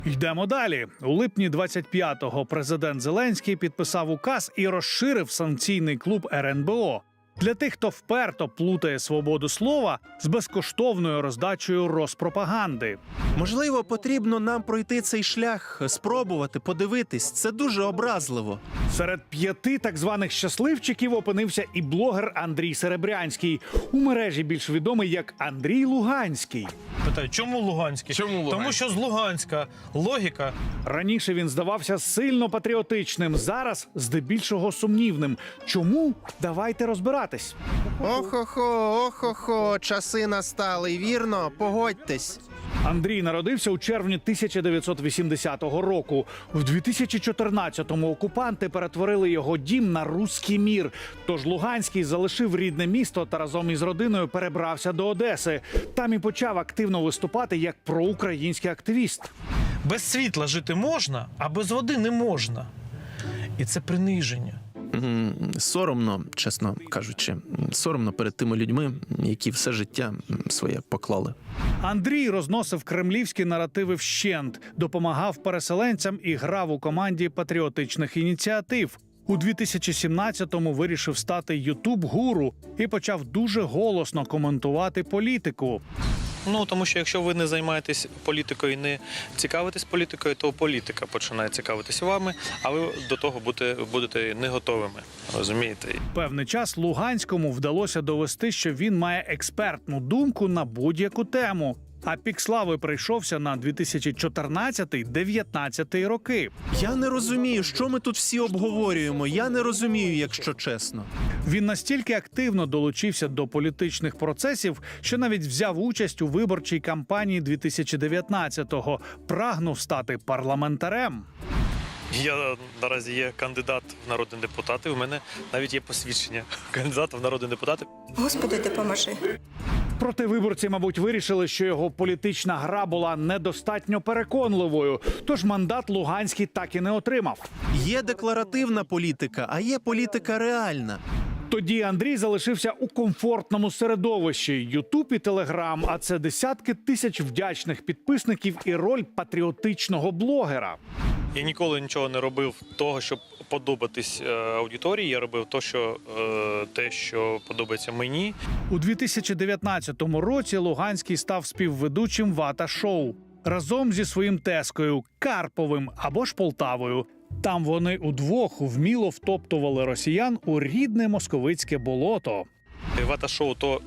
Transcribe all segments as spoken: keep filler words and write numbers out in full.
Йдемо далі. У липні двадцять п'ятого президент Зеленський підписав указ і розширив санкційний клуб ер ен бе о для тих, хто вперто плутає свободу слова з безкоштовною роздачею розпропаганди. Можливо, потрібно нам пройти цей шлях, спробувати, подивитись. Це дуже образливо. Серед п'яти так званих щасливчиків опинився і блогер Андрій Серебрянський, у мережі більш відомий як Андрій Луганський. Питаю, чому Луганський? Чому Луганський? Тому що з Луганська логіка. Раніше він здавався сильно патріотичним, зараз здебільшого сумнівним. Чому? Давайте розбиратись. Охо-хо, охо-хо, часи настали, вірно? Погодьтесь. Андрій народився у червні тисяча дев'ятсот вісімдесятого року. В дві тисячі чотирнадцятому окупанти перетворили його дім на руський мір. Тож Луганський залишив рідне місто та разом із родиною перебрався до Одеси. Там і почав активно виступати як проукраїнський активіст. Без світла жити можна, а без води не можна. І це приниження. М, Соромно, чесно кажучи, соромно перед тими людьми, які все життя своє поклали. Андрій розносив кремлівські наративи вщент, допомагав переселенцям і грав у команді патріотичних ініціатив. У дві тисячі сімнадцятому вирішив стати ютуб-гуру і почав дуже голосно коментувати політику. Ну, тому що якщо ви не займаєтесь політикою і не цікавитесь політикою, то політика починає цікавитись вами, а ви до того будете, будете не готовими, розумієте? Певний час Луганському вдалося довести, що він має експертну думку на будь-яку тему. А пік слави прийшовся на дві тисячі чотирнадцятий - дев'ятнадцятий роки. Я не розумію, що ми тут всі обговорюємо. Я не розумію, якщо чесно. Він настільки активно долучився до політичних процесів, що навіть взяв участь у виборчій кампанії дві тисячі дев'ятнадцятого, прагнув стати парламентарем. Я наразі є кандидат в народні депутати, у мене навіть є посвідчення кандидата в народні депутати. Господи, допоможи. Проте виборці, мабуть, вирішили, що його політична гра була недостатньо переконливою, тож мандат Луганський так і не отримав. Є декларативна політика, а є політика реальна. Тоді Андрій залишився у комфортному середовищі – Ютуб і Телеграм, а це десятки тисяч вдячних підписників і роль патріотичного блогера. Я ніколи нічого не робив того, щоб подобатись е, аудиторії. Я робив то, що, е, те, що подобається мені. У дві тисячі дев'ятнадцятому році Луганський став співведучим «Вата-шоу» разом зі своїм тезкою Карповим або ж Полтавою. Там вони удвох вміло втоптували росіян у рідне московицьке болото. Вата-шоу – то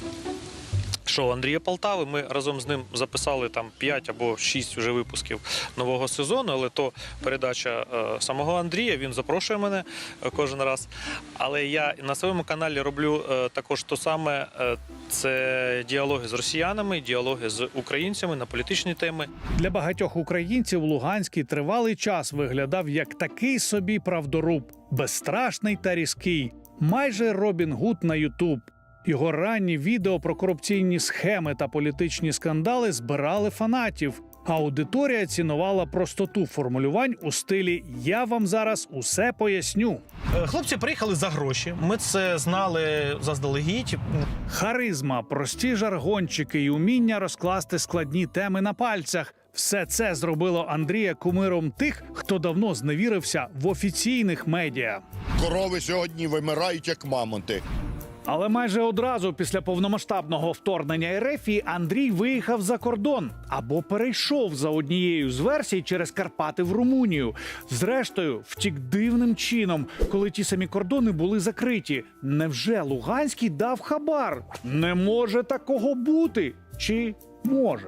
шоу Андрія Полтави. Ми разом з ним записали там п'ять або шість вже випусків нового сезону, але то передача е, самого Андрія, він запрошує мене е, кожен раз. Але я на своєму каналі роблю е, також то саме, е, це діалоги з росіянами, діалоги з українцями на політичні теми. Для багатьох українців Луганський тривалий час виглядав як такий собі правдоруб, безстрашний та різкий, майже Робін Гуд на Ютуб. Його ранні відео про корупційні схеми та політичні скандали збирали фанатів. Аудиторія цінувала простоту формулювань у стилі «я вам зараз усе поясню». Хлопці приїхали за гроші, ми це знали заздалегідь. Харизма, прості жаргончики і уміння розкласти складні теми на пальцях – все це зробило Андрія кумиром тих, хто давно зневірився в офіційних медіа. Корови сьогодні вимирають, як мамонти. Але майже одразу після повномасштабного вторгнення РФ Андрій виїхав за кордон або перейшов за однією з версій через Карпати в Румунію. Зрештою, втік дивним чином, коли ті самі кордони були закриті. Невже Луганський дав хабар? Не може такого бути. Чи може?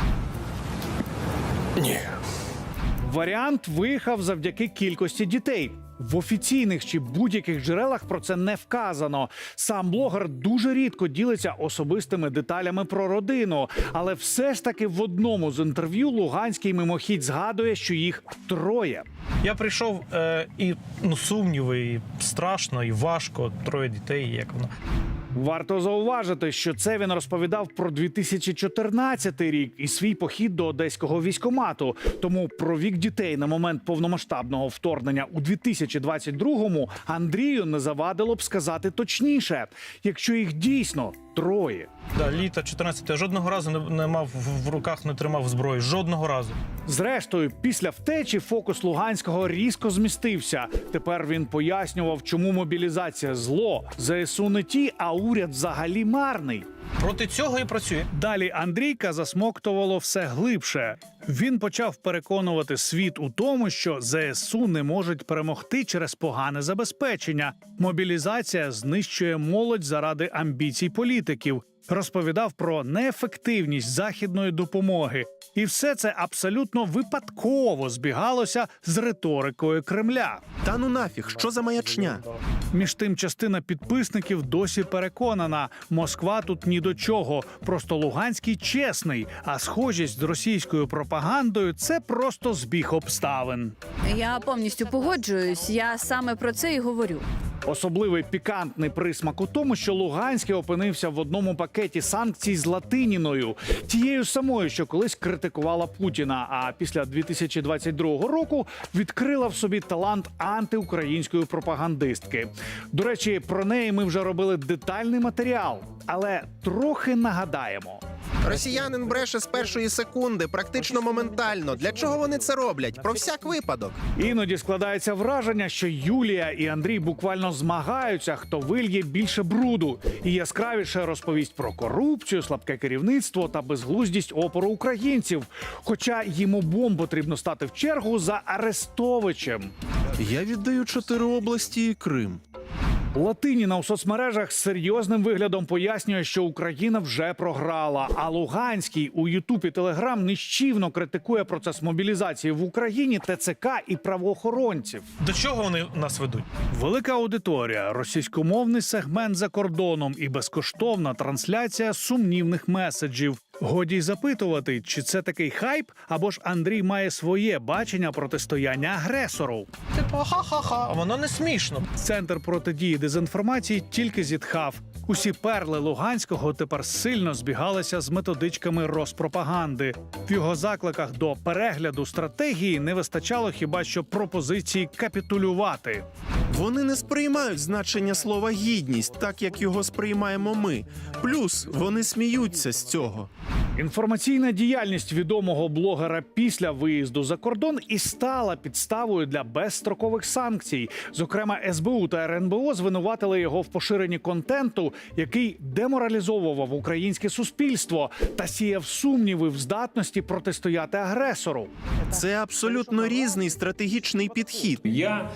Ні. Варіант виїхав завдяки кількості дітей. В офіційних чи будь-яких джерелах про це не вказано. Сам блогер дуже рідко ділиться особистими деталями про родину. Але все ж таки в одному з інтерв'ю Луганський мимохідь згадує, що їх троє. Я прийшов е, і ну, сумніви, і страшно, і важко, троє дітей, як воно. Варто зауважити, що це він розповідав про дві тисячі чотирнадцятий рік і свій похід до одеського військкомату. Тому про вік дітей на момент повномасштабного вторгнення у дві тисячі двадцять другому Андрію не завадило б сказати точніше, якщо їх дійсно троє. Да, літа чотирнадцятого жодного разу не, не мав в руках, не тримав зброї. Жодного разу. Зрештою, після втечі фокус Луганського різко змістився. Тепер він пояснював, чому мобілізація зло, ЗСУ не ті, а уряд взагалі марний. Проти цього і працює. Далі Андрійка засмоктувало все глибше. Він почав переконувати світ у тому, що ЗСУ не можуть перемогти через погане забезпечення. Мобілізація знищує молодь заради амбіцій політиків. Розповідав про неефективність західної допомоги. І все це абсолютно випадково збігалося з риторикою Кремля. Та ну нафіг, що за маячня? Між тим, частина підписників досі переконана, Москва тут ні до чого, просто Луганський чесний, а схожість з російською пропагандою – це просто збіг обставин. Я повністю погоджуюсь. Я саме про це і говорю. Особливий пікантний присмак у тому, що Луганський опинився в одному пакеті санкцій з Латиніною, тією самою, що колись критикувала Путіна, а після дві тисячі двадцять другого року відкрила в собі талант антиукраїнської пропагандистки. До речі, про неї ми вже робили детальний матеріал, але трохи нагадаємо. Росіянин бреше з першої секунди, практично моментально. Для чого вони це роблять? Про всяк випадок. Іноді складається враження, що Юлія і Андрій буквально змагаються, хто вильє більше бруду і яскравіше розповість про корупцію, слабке керівництво та безглуздість опору українців. Хоча їм обом потрібно стати в чергу за Арестовичем. Я віддаю чотири області і Крим. Латиніна у соцмережах з серйозним виглядом пояснює, що Україна вже програла, а Луганський у Ютуб і Телеграм нищівно критикує процес мобілізації в Україні, ТЦК і правоохоронців. До чого вони нас ведуть? Велика аудиторія, російськомовний сегмент за кордоном і безкоштовна трансляція сумнівних меседжів. Годі й запитувати, чи це такий хайп, або ж Андрій має своє бачення протистояння агресору. Типу, ха-ха-ха, воно не смішно. Центр протидії дезінформації тільки зітхав. Усі перли Луганського тепер сильно збігалися з методичками розпропаганди. В його закликах до перегляду стратегії не вистачало хіба що пропозиції капітулювати. Вони не сприймають значення слова «гідність», так як його сприймаємо ми. Плюс вони сміються з цього. Інформаційна діяльність відомого блогера після виїзду за кордон і стала підставою для безстрокових санкцій. Зокрема, ес бе у та ер ен бе о звинуватили його в поширенні контенту, який деморалізовував українське суспільство та сіяв сумніви в здатності протистояти агресору. Це абсолютно різний стратегічний підхід. Я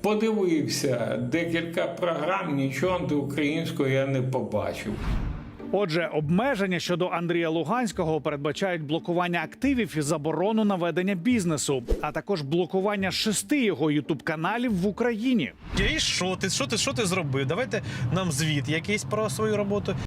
подивився декілька програм, нічого антиукраїнського я не побачив. Отже, обмеження щодо Андрія Луганського передбачають блокування активів і заборону на ведення бізнесу, а також блокування шести його ютуб-каналів в Україні. І що ти, що ти, що ти зробив? Давайте нам звіт якийсь про свою роботу.